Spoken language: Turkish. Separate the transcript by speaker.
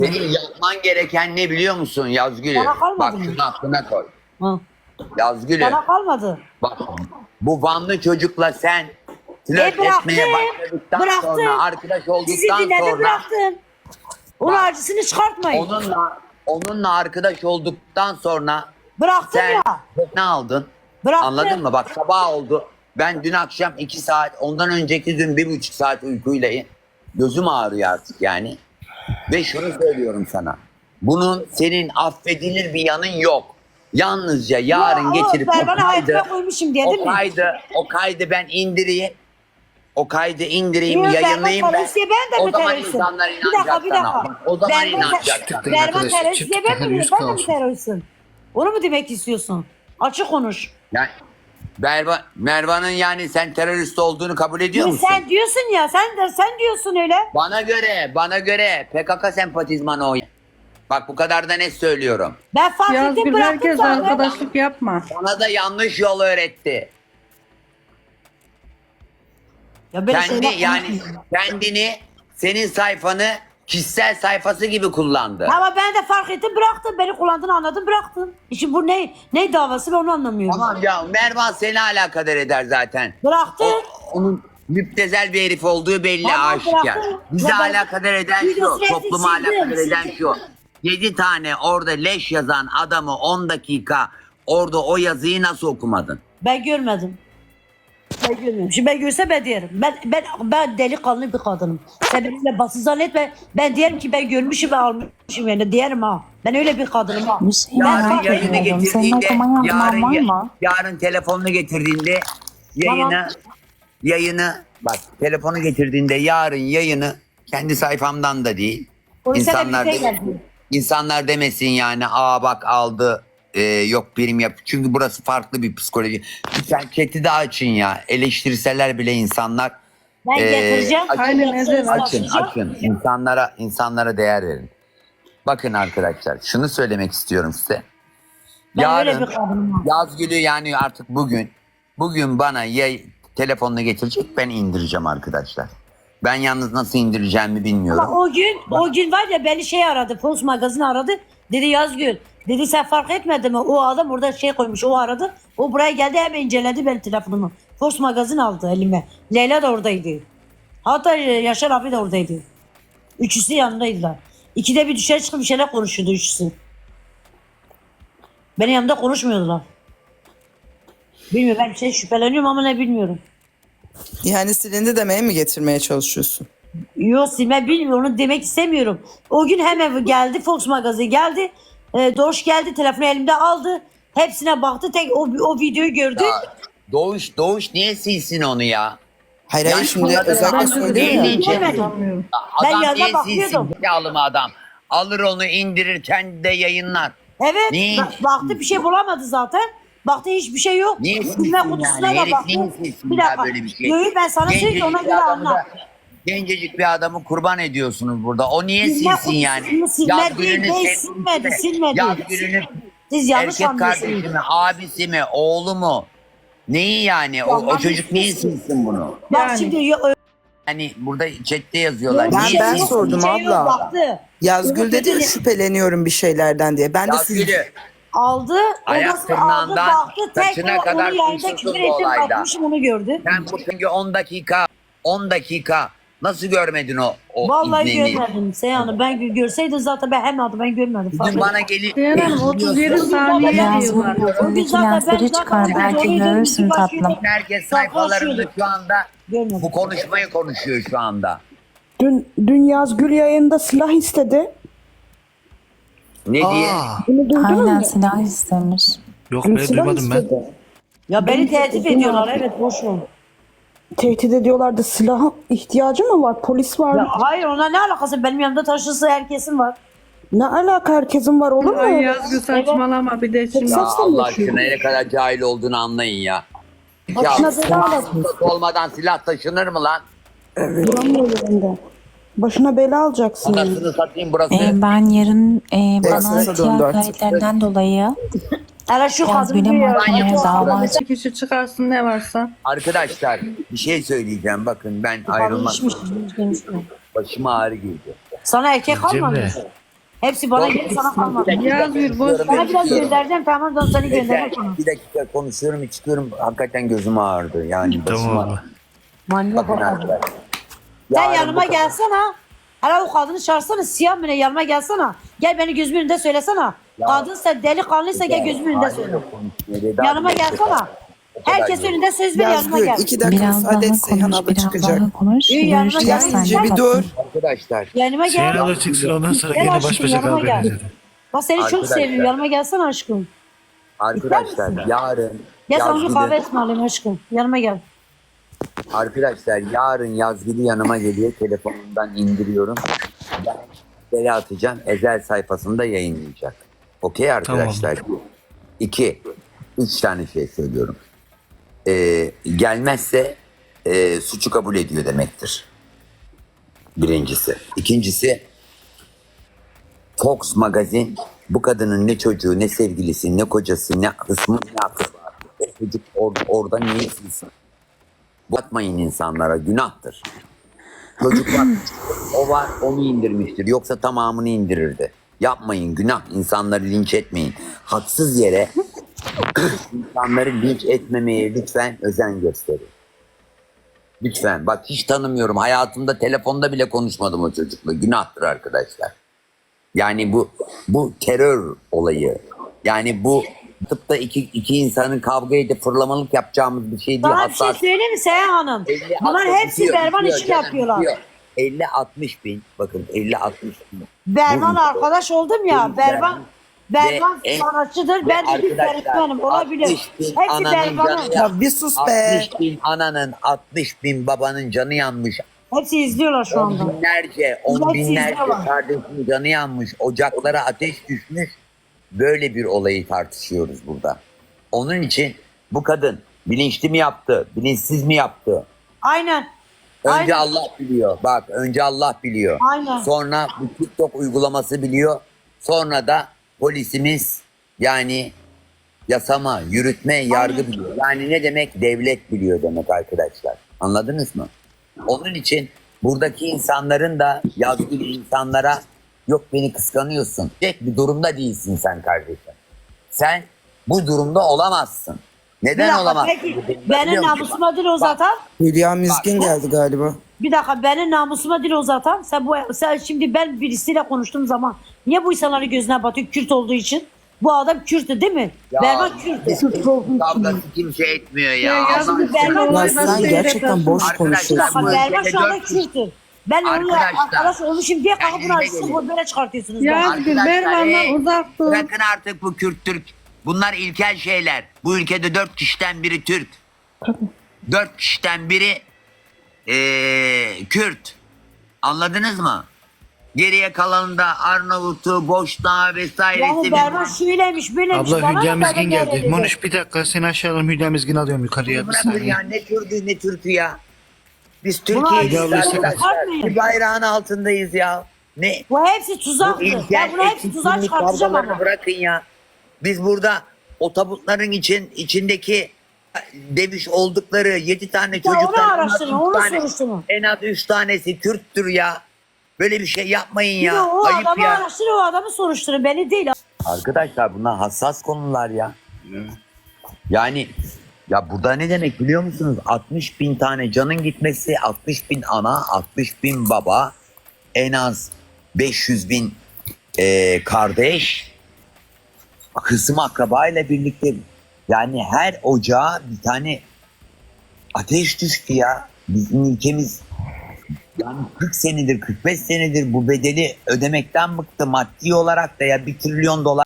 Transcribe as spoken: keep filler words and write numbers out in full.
Speaker 1: Senin yapman gereken ne biliyor musun Yazgül'ü?
Speaker 2: Bana kalmadı
Speaker 1: Bak
Speaker 2: mı?
Speaker 1: şunu aklına koy.
Speaker 2: Hı.
Speaker 1: Yazgül'ü.
Speaker 2: Bana kalmadı.
Speaker 1: Bak bu Vanlı çocukla sen flört
Speaker 2: E bıraktım.
Speaker 1: etmeye başladıktan
Speaker 2: Bıraktım.
Speaker 1: sonra, arkadaş
Speaker 2: Sizi
Speaker 1: olduktan
Speaker 2: dinledim
Speaker 1: sonra
Speaker 2: bıraktım. Onun
Speaker 1: Bak,
Speaker 2: acısını çıkartmayın.
Speaker 1: onunla onunla arkadaş olduktan sonra
Speaker 2: Bıraktım
Speaker 1: sen
Speaker 2: ya.
Speaker 1: ne aldın?
Speaker 2: Bıraktım.
Speaker 1: Anladın mı? Bak sabah oldu. Ben dün akşam iki saat, ondan önceki gün bir buçuk saat uykuyla gözüm ağrıyor artık yani. Ve şunu söylüyorum sana. Bunun senin affedilir bir yanın yok. Yalnızca yarın
Speaker 2: Ya, o
Speaker 1: getirip o
Speaker 2: Berban'ı
Speaker 1: kaydı,
Speaker 2: hayatıma koymuşum diye, değil
Speaker 1: o
Speaker 2: mi?
Speaker 1: kaydı, o kaydı ben indireyim. O kaydı indireyim,
Speaker 2: Yok,
Speaker 1: yayınlayayım
Speaker 2: Berban
Speaker 1: ben.
Speaker 2: terörist diye ben de
Speaker 1: O
Speaker 2: mi
Speaker 1: zaman
Speaker 2: teröristim?
Speaker 1: insanlar
Speaker 2: Bir dakika
Speaker 1: inanacak
Speaker 2: bir
Speaker 1: sana.
Speaker 2: dakika.
Speaker 1: Bak, o zaman
Speaker 2: Berban,
Speaker 1: inanacak
Speaker 2: ter-
Speaker 1: sana.
Speaker 2: Berban
Speaker 3: Arkadaşlar,
Speaker 2: terörist
Speaker 3: çift
Speaker 2: diye ben mi?
Speaker 3: terörist
Speaker 2: Ben de mi
Speaker 3: kalsın.
Speaker 2: teröristim? Onu mu demek istiyorsun? Açık konuş.
Speaker 1: Yani Merva, Mervan'ın yani sen terörist olduğunu kabul ediyor
Speaker 2: Ya
Speaker 1: musun?
Speaker 2: sen diyorsun ya, sen de sen diyorsun öyle.
Speaker 1: Bana göre, bana göre P K K sempatizmanı o. Bak bu kadar da net söylüyorum.
Speaker 2: Ben fark ettim,
Speaker 4: Yazgül
Speaker 2: bıraktım
Speaker 4: herkes
Speaker 2: zaten.
Speaker 4: arkadaşlık yapma.
Speaker 1: Sana da yanlış yol öğretti.
Speaker 2: Ya böyle
Speaker 1: Kendi
Speaker 2: şeyler
Speaker 1: yani
Speaker 2: konuşmayın.
Speaker 1: kendini senin sayfanı kişisel sayfası gibi kullandı.
Speaker 2: Ama ben de fark ettim, bıraktım. Beni kullandığını anladım, bıraktım. İşte bu ne ne davası, ben onu anlamıyorum.
Speaker 1: Tamam ya Mervan seni alakadar eder zaten.
Speaker 2: Bıraktım.
Speaker 1: O, onun müptezel bir herif olduğu belli,
Speaker 2: Tamam,
Speaker 1: aşikar.
Speaker 2: bıraktım.
Speaker 1: Bizi
Speaker 2: Ya ben-
Speaker 1: alakadar eden şu,
Speaker 2: Videosunu
Speaker 1: toplumu
Speaker 2: sildim,
Speaker 1: alakadar eden
Speaker 2: sildim.
Speaker 1: şu. Yedi tane orada leş yazan adamı on dakika orada o yazıyı nasıl okumadın?
Speaker 2: Ben görmedim. Ben görmedim. Şimdi ben görse ben derim. Ben ben ben delikanlı bir kadınım. Sen benimle basın zannetme. Ben diyelim ki ben görmüşüm ve almışım yani, diyelim ha. Ben öyle bir kadınım ha.
Speaker 5: Bir şey
Speaker 1: Yarın
Speaker 5: merak
Speaker 1: yayını
Speaker 5: ediyorum. Senin
Speaker 1: getirdiğinde,
Speaker 5: okuma
Speaker 1: yarın,
Speaker 5: yazman var mı?
Speaker 1: yarın telefonunu getirdiğinde yayını,
Speaker 2: Tamam.
Speaker 1: yayını, bak telefonu getirdiğinde yarın yayını kendi sayfamdan da değil.
Speaker 2: Polise de
Speaker 1: İnsanlar,
Speaker 2: bize
Speaker 1: de,
Speaker 2: geldi.
Speaker 1: insanlar demesin yani aa bak aldı e, yok birim yap. Çünkü burası farklı bir psikoloji. Lütfen chat'i de açın ya. Eleştirseler bile insanlar
Speaker 2: Ben
Speaker 1: Ee,
Speaker 2: getireceğim.
Speaker 1: açın,
Speaker 4: Aynen, evet,
Speaker 1: açın,
Speaker 2: Açacağım.
Speaker 1: açın. İnsanlara, insanlara değer verin. Bakın arkadaşlar, şunu söylemek istiyorum size.
Speaker 2: Ben öyle bir kadınım ha.
Speaker 1: Yazgül'ü yani artık bugün, bugün bana yay, telefonunu getirecek, ben indireceğim arkadaşlar. Ben yalnız nasıl indireceğimi bilmiyorum.
Speaker 2: Ama o gün, o gün var ya, beni şey aradı, Fox Magazin aradı. Dedi Yazgül, dedi sen fark etmedin mi? O adam orada şey koymuş, o aradı. O buraya geldi, hemen inceledi benim telefonumu. Fox Magazin aldı elime. Leyla da oradaydı. Hatta Yaşar abi de oradaydı. Üçüsü yanındaydılar. İkide bir dışarı çıkıp bir şeyler konuşuyordu üçüsü. Benim yanımda konuşmuyordular. Bilmiyorum, ben bir şey şüpheleniyorum ama ne bilmiyorum.
Speaker 6: Yani silindi demeye mi getirmeye çalışıyorsun?
Speaker 2: Yok, silme bilmiyorum, onu demek istemiyorum. O gün hemen geldi, Fox Magazin geldi. E, Doğuş geldi, telefonu elimde aldı. Hepsine baktı, tek o, o videoyu gördü.
Speaker 1: Ya, Doğuş, Doğuş niye silsin onu ya?
Speaker 6: Hayır
Speaker 1: Yani
Speaker 6: hayır şimdi
Speaker 1: bunları
Speaker 6: özellikle
Speaker 1: ben
Speaker 6: söylüyor
Speaker 1: de
Speaker 6: ya.
Speaker 1: diyeceğim.
Speaker 2: Görmedim. Ben
Speaker 1: Adam
Speaker 2: yanına
Speaker 1: niye
Speaker 2: bakıyordum.
Speaker 1: silsin? Yağlı mı adam? Alır onu indirir, kendi de yayınlar.
Speaker 2: Evet,
Speaker 1: Niye?
Speaker 2: ba- baktı bir şey bulamadı zaten. Baktı hiçbir şey yok.
Speaker 1: Niye silsin
Speaker 2: Bilme
Speaker 1: yani?
Speaker 2: kutusuna da
Speaker 1: Herif
Speaker 2: baktı.
Speaker 1: niye silsin
Speaker 2: Bir
Speaker 1: ya
Speaker 2: dakika.
Speaker 1: böyle bir şey?
Speaker 2: Yok, ben sana söyleyeyim, ona
Speaker 1: Gencecik
Speaker 2: göre
Speaker 1: bir adamı
Speaker 2: anla.
Speaker 1: da- Gencecik bir adamı kurban ediyorsunuz burada. O niye
Speaker 2: Bilme
Speaker 1: silsin
Speaker 2: kutusunu
Speaker 1: yani?
Speaker 2: silmedi,
Speaker 1: gününü
Speaker 2: değil,
Speaker 1: sevgilisi
Speaker 2: silmedi,
Speaker 1: mi?
Speaker 2: silmedi.
Speaker 1: Yaz gününü
Speaker 2: Siz yanlış
Speaker 1: erkek kardeşi
Speaker 2: anlıyorsunuz.
Speaker 1: mi, abisi mi, oğlu mu? Neyi yani? O, o
Speaker 2: Vallahi
Speaker 1: çocuk niye
Speaker 2: bilmiyorsun.
Speaker 1: silsin bunu?
Speaker 2: Bak
Speaker 4: Yani.
Speaker 2: şimdi yo-
Speaker 1: Hani burada chatte yazıyorlar.
Speaker 2: Bir
Speaker 6: Ben-
Speaker 2: şey
Speaker 6: ben
Speaker 2: yok,
Speaker 6: sordum
Speaker 2: bir şey yok,
Speaker 6: abla.
Speaker 2: baktı.
Speaker 6: Yazgül dedi ya
Speaker 2: Dedi-
Speaker 6: şüpheleniyorum bir şeylerden diye. Ben de siz
Speaker 1: Yazgül'ü
Speaker 2: Aldı,
Speaker 1: Ayak
Speaker 2: odası aldı,
Speaker 1: tırnağından
Speaker 2: baktı, tek
Speaker 1: saçına
Speaker 2: o,
Speaker 1: kadar
Speaker 2: onu yayında
Speaker 1: huysuzsun
Speaker 2: küfür
Speaker 1: bu
Speaker 2: ettim,
Speaker 1: olayda.
Speaker 2: atmışım, onu gördü.
Speaker 1: sen bu çünkü on dakika on dakika nasıl görmedin o, o
Speaker 2: Vallahi
Speaker 1: iznini?
Speaker 2: görmedim Seyhan'ı. Ben gö- görseydim zaten ben hemen ben görmedim.
Speaker 1: Bugün bana gelip
Speaker 4: Seyhan Hanım otuz yedi saniye
Speaker 5: Yazgül
Speaker 4: diyorlar.
Speaker 5: yüzündeki lensleri çıkar. Belki görürsün tatlım.
Speaker 1: herkes sayfalarında şu anda
Speaker 2: Görmedim.
Speaker 1: bu konuşmayı konuşuyor şu anda.
Speaker 7: Dün, dün Yazgül yayında silah istedi.
Speaker 1: Ne diye?
Speaker 7: Bunu duydun
Speaker 5: Aynen
Speaker 7: mu?
Speaker 5: silah istemiş.
Speaker 3: Yok
Speaker 7: Hani
Speaker 3: be
Speaker 7: silah
Speaker 3: duymadım ben.
Speaker 7: istedi.
Speaker 2: Ya beni tehdit ediyorlar, evet, boş ver.
Speaker 7: Tehdit ediyorlardı. Silaha ihtiyacı mı var? Polis var.
Speaker 2: Ya hayır, ona ne alakası? Benim yanımda taşısı herkesin var.
Speaker 7: Ne alaka, herkesin var, olur mu?
Speaker 4: Ay Yazgül saçmalama bir de şimdi.
Speaker 7: Tek
Speaker 1: Ya
Speaker 7: sesle
Speaker 1: Allah
Speaker 7: yaşıyor.
Speaker 1: aşkına ne kadar cahil olduğunu anlayın ya. Ya
Speaker 7: Başına bela alacak.
Speaker 1: silah olmadan silah taşınır mı lan?
Speaker 7: Duramıyor yerinde. Başına bela alacaksın. yani.
Speaker 1: Anasını satayım burası.
Speaker 5: Ee, ben yarın e, bana
Speaker 6: Burası
Speaker 5: siyah
Speaker 6: döndü artık.
Speaker 5: kayıtlarından dolayı
Speaker 2: Hele şu kadın
Speaker 5: Yazgül'e
Speaker 2: diyor.
Speaker 5: mahkemeye dava aç.
Speaker 4: Bir kişi çıkarsın ne varsa.
Speaker 1: Arkadaşlar bir şey söyleyeceğim. Bakın ben ayrılmak
Speaker 2: İçmiş, içmiş, içmiş.
Speaker 1: başıma ağrı girdi.
Speaker 2: Sana erkek kalmadı.
Speaker 3: Cemre.
Speaker 2: Hepsi bana
Speaker 1: Son-
Speaker 2: geldi, sana kalmadı.
Speaker 1: Bir dakika
Speaker 4: Yaz bir, boş
Speaker 1: konuşuyorum,
Speaker 2: Sana biraz
Speaker 1: çıkıyorum.
Speaker 2: göndereceğim, tamam da seni göndereceğim
Speaker 1: Neyse,
Speaker 2: sana.
Speaker 1: bir dakika konuşuyorum çıkıyorum. Hakikaten gözüm ağrıdı. Yani başım
Speaker 3: Tamam
Speaker 1: ağrıdı.
Speaker 3: abi.
Speaker 2: Manyak
Speaker 1: Bakın
Speaker 2: adam.
Speaker 1: arkadaşlar.
Speaker 2: Sen
Speaker 1: Yarın
Speaker 2: yanıma
Speaker 1: bu kadar.
Speaker 2: gelsene. Hala o kadını çağırsana, siyah mı ne, yanıma gelsene. Gel beni gözümün önünde söylesene. Kadınsa, delikanlıysa gel gözümün önünde söyle. Yanıma gelsene. Herkes önünde söz ver, yanıma
Speaker 6: Yazgül
Speaker 2: gel.
Speaker 6: iki dakika
Speaker 5: Biraz
Speaker 6: müsaade
Speaker 5: daha
Speaker 6: et Seyhan
Speaker 5: konuş,
Speaker 6: abla
Speaker 5: biraz
Speaker 6: çıkacak.
Speaker 5: daha konuş.
Speaker 2: İyi, yanıma
Speaker 5: Görüşeceğiz
Speaker 2: gel.
Speaker 6: Yayıncı
Speaker 5: seninle
Speaker 6: bir dur.
Speaker 1: Arkadaşlar.
Speaker 2: Yanıma
Speaker 3: Seyhan
Speaker 2: gel.
Speaker 3: abla çıksın ondan sonra
Speaker 2: Gel
Speaker 3: yine baş
Speaker 2: aşkım,
Speaker 3: başa
Speaker 2: yanıma
Speaker 3: kavga
Speaker 2: gel.
Speaker 3: edeceğiz.
Speaker 2: Bak seni çok
Speaker 1: Arkadaşlar.
Speaker 2: seviyorum, yanıma gelsene aşkım.
Speaker 1: Arkadaşlar yarın
Speaker 2: Gel sana bir kahve
Speaker 1: Yazgül'ü,
Speaker 2: ısmarlayayım aşkım. Yanıma gel.
Speaker 1: arkadaşlar yarın Yazgül'ü yanıma geliyor. Telefonumdan indiriyorum. Ben siteye atacağım. Ezel sayfasında yayınlayacak. Okey arkadaşlar. İki. Üç tane şey söylüyorum. Ee, gelmezse e, suçu kabul ediyor demektir. Birincisi. İkincisi Fox Magazin bu kadının ne çocuğu, ne sevgilisi, ne kocası, ne kısmı, ne aklı var. O çocuk or orada niye silsin? Batmayın insanlara, günahtır. Çocuk var, o var, onu indirmiştir. Yoksa tamamını indirirdi. Yapmayın, günah. İnsanları linç etmeyin. Haksız yere insanları linç etmemeye lütfen özen gösterin. Lütfen. Bak hiç tanımıyorum. Hayatımda telefonda bile konuşmadım o çocukla. Günahtır arkadaşlar. Yani bu bu terör olayı. Yani bu tıpta iki, iki insanın kavga edip fırlamalık yapacağımız bir şey değil.
Speaker 2: Bana bir şey
Speaker 1: Hassas-
Speaker 2: söyleyeyim mi Seyhan Hanım?
Speaker 1: elli,
Speaker 2: Bunlar
Speaker 1: altmış
Speaker 2: hepsi
Speaker 1: bitiyor,
Speaker 2: Berban
Speaker 1: bitiyor
Speaker 2: için
Speaker 1: canım,
Speaker 2: yapıyorlar.
Speaker 1: bitiyor. elli altmış bin. Bakın elli altmış bin.
Speaker 2: Berban
Speaker 1: Bu-
Speaker 2: arkadaş oldum ya.
Speaker 1: Bu-
Speaker 2: Berban Berban
Speaker 1: Ve en-
Speaker 2: sanatçıdır.
Speaker 1: ve
Speaker 2: Ben de bir
Speaker 1: arkadaşlar,
Speaker 2: öğretmenim. Olabilir.
Speaker 1: altmış bin
Speaker 2: Hepsi
Speaker 1: ananın
Speaker 2: Berban'ın.
Speaker 1: canı
Speaker 6: Ya bir sus be.
Speaker 1: altmış bin ananın, altmış bin babanın canı yanmış.
Speaker 2: Hepsi izliyorlar şu
Speaker 1: On
Speaker 2: anda.
Speaker 1: binlerce, on
Speaker 2: Hepsi
Speaker 1: binlerce
Speaker 2: izliyorlar.
Speaker 1: kardeşin canı yanmış. Ocaklara ateş düşmüş. Böyle bir olayı tartışıyoruz burada. Onun için bu kadın bilinçli mi yaptı, bilinçsiz mi yaptı?
Speaker 2: Aynen.
Speaker 1: Önce
Speaker 2: Aynen.
Speaker 1: Allah biliyor. Bak önce Allah biliyor.
Speaker 2: Aynen.
Speaker 1: Sonra bu TikTok uygulaması biliyor. Sonra da polisimiz yani yasama, yürütme, yargı biliyor. Yani ne demek? Devlet biliyor demek arkadaşlar. Anladınız mı? Onun için buradaki insanların da yazgılı insanlara yok beni kıskanıyorsun. Tek bir durumda değilsin sen kardeşim. Sen bu durumda olamazsın.
Speaker 2: Bir
Speaker 1: Neden
Speaker 2: dakika,
Speaker 1: olamazsın?
Speaker 2: peki
Speaker 1: Biliyor
Speaker 2: benim
Speaker 1: musun?
Speaker 2: namusuma dil uzatan,
Speaker 6: Hülya Mizgin geldi galiba.
Speaker 2: bir dakika benim namusuma dil uzatan, sen bu sen şimdi ben birisiyle konuştuğum zaman niye bu insanların gözüne batıyor Kürt olduğu için? Bu adam Kürt'ü değil mi?
Speaker 1: Ya,
Speaker 2: Berban Kürt'ü.
Speaker 1: Kürt kavgası kimse etmiyor ya.
Speaker 4: Ya yazgı
Speaker 1: Allah-
Speaker 2: Berban
Speaker 4: sen
Speaker 6: Ya
Speaker 4: olay
Speaker 6: sen
Speaker 4: nasıl
Speaker 6: gerçekten boş
Speaker 1: Arkadaşlar,
Speaker 6: konuşuyorsun.
Speaker 1: bu
Speaker 2: Ama Berban
Speaker 1: ülkede
Speaker 2: şu anda
Speaker 1: dört kişi-
Speaker 2: Kürt'ü. Ben onunla
Speaker 1: Arkadaşlar,
Speaker 2: arkadaş olmuşum diye kalkıp bunu
Speaker 1: kendinize
Speaker 2: açsın
Speaker 1: gelin.
Speaker 2: böyle çıkartıyorsunuz.
Speaker 4: Yazgül
Speaker 1: Arkadaşlar,
Speaker 4: Berban'dan
Speaker 1: hey,
Speaker 4: uzak dur.
Speaker 1: Bırakın artık bu Kürt Türk. Bunlar ilkel şeyler. Bu ülkede dört kişiden biri Türk. Dört kişiden biri ee, Kürt. Anladınız mı? Geriye kalanında Arnavut'u, Boşnağı vesairesi.
Speaker 2: Yani Berban şöyleymiş böyleymiş.
Speaker 3: Abla
Speaker 2: bana
Speaker 3: Hülya
Speaker 2: da
Speaker 3: Mizgin
Speaker 2: böyle
Speaker 3: geldi.
Speaker 2: dedi.
Speaker 3: Monuş bir dakika seni aşağıdan Hülya Mizgin alıyorum yukarıya bir
Speaker 1: Bırakın
Speaker 3: saniye.
Speaker 1: ya ne Türk'ü ne Türk'ü ya. Biz
Speaker 2: Buna
Speaker 1: Türkiye'yiz
Speaker 3: Hülya abla istek-
Speaker 1: arkadaşlar.
Speaker 2: Atmayın.
Speaker 1: Bir bayrağın altındayız ya. Ne?
Speaker 2: Bu hepsi tuzaktı.
Speaker 1: Bu
Speaker 2: Ben
Speaker 1: ilkel
Speaker 2: bunu hepsi tuzağa
Speaker 1: eğitimli
Speaker 2: çıkartacağım
Speaker 1: kavgalarını
Speaker 2: ama.
Speaker 1: bırakın ya. Biz burada o tabutların için içindeki demiş oldukları yedi tane
Speaker 2: Ya
Speaker 1: çocuktan
Speaker 2: onu
Speaker 1: en az
Speaker 2: araştırın,
Speaker 1: üç
Speaker 2: onu
Speaker 1: tane-
Speaker 2: soruşturun.
Speaker 1: en az üç tanesi Kürttür ya. Böyle bir şey yapmayın
Speaker 2: Bir
Speaker 1: ya.
Speaker 2: de o
Speaker 1: Ayıp
Speaker 2: adamı
Speaker 1: ya.
Speaker 2: araştırın, o adamı soruşturun. Beni değil.
Speaker 1: Arkadaşlar bunlar hassas konular ya. Yani ya burada ne demek biliyor musunuz? altmış bin tane canın gitmesi, altmış bin ana, altmış bin baba, en az beş yüz bin e, kardeş, kısım akraba ile birlikte. Yani her ocağa bir tane ateş düştü ya. Bizim ülkemiz yani kırk senedir, kırk beş senedir bu bedeli ödemekten bıktı. Maddi olarak da ya bir trilyon dolar